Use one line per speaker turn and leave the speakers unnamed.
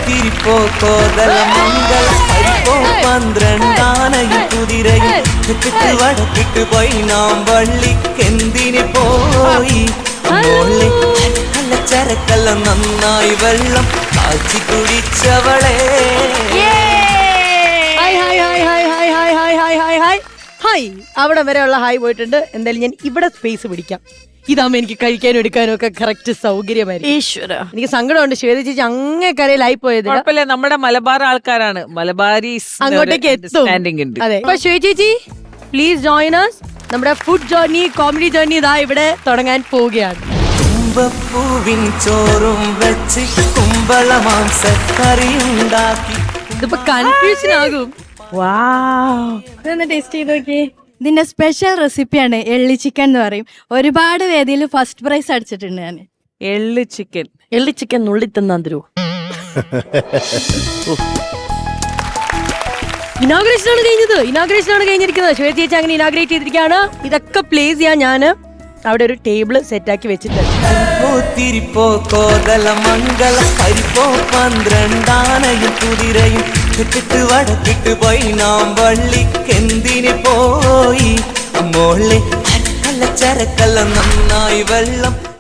തിരിപ്പോ കോതല മംഗള പരിപ്പോ 12 കുതിരയും തെക്കിട്ട് വടക്കിട്ട് പോയി നാം വള്ളിക്കെന്തിന് പോയി മോളെ നല്ല ചരക്കല്ല നന്നായി വെള്ളം കാച്ചി കുടിച്ചവളെ.
ഹായ്, അവിടെ വരെയുള്ള ഹായ് പോയിട്ടുണ്ട്. എന്തായാലും ഞാൻ ഇവിടെ സ്പേസ് പിടിക്കാം. ഇതാകുമ്പോ എനിക്ക് കഴിക്കാനും എടുക്കാനും ഒക്കെ കറക്റ്റ് സൗകര്യമായിരിക്കും. ഈശ്വര, എനിക്ക് സങ്കടമുണ്ട്. ശ്വേത ചേച്ചി അങ്ങേ കരയിലായി പോയത്.
കുഴപ്പമില്ല, നമ്മുടെ മലബാർ ആൾക്കാരാണ്, മലബാരീസ്
അങ്ങോട്ടേക്ക് എത്തും. അതെ, അപ്പൊ ശ്വേത ചേച്ചി പ്ലീസ് ജോയിൻ us. നമ്മുടെ ഫുഡ് ജേർണി, കോമഡി ജേർണി ഇതാ ഇവിടെ തുടങ്ങാൻ പോവുകയാണ്.
കുമ്പപ്പൂവിൻ ചോറും വെച്ച് കുമ്പള മാംസക്കറിയുണ്ടാക്കി.
ഇതിപ്പോ കൺഫ്യൂഷൻ ആകും.
ഇതൊന്ന് ടേസ്റ്റ് ചെയ്ത് നോക്കി. ഇതിന്റെ സ്പെഷ്യൽ റെസിപ്പിയാണ് എള്ളി ചിക്കൻ എന്ന് പറയും. ഒരുപാട് വേദിയിൽ ഫസ്റ്റ് പ്രൈസ് അടിച്ചിട്ടുണ്ട് ഞാൻ.
എള്ളി ചിക്കൻ
നുള്ളി തിന്നാൻ തരൂ. ഇനാഗ്രേഷൻ ആണ് കഴിഞ്ഞിരിക്കുന്നത്. ശ്വേത ചേച്ചി അങ്ങനെ ഇനാഗ്രേറ്റ് ചെയ്തിരിക്കുകയാണ്. ഇതൊക്കെ പ്ലേസ് ചെയ്യാൻ ഞാൻ അവിടെ ഒരു ടേബിള് സെറ്റാക്കി വെച്ചിട്ടുണ്ട്.
തിരിപ്പോ കോതല മംഗള പരിപ്പോ 12 കുതിരയും തെക്കിട്ട് വടക്കിട്ട് പോയി നാം വള്ളിക്കെന്തിന് പോയി മോളെ നല്ല ചരക്കല്ല നന്നായി വെള്ളം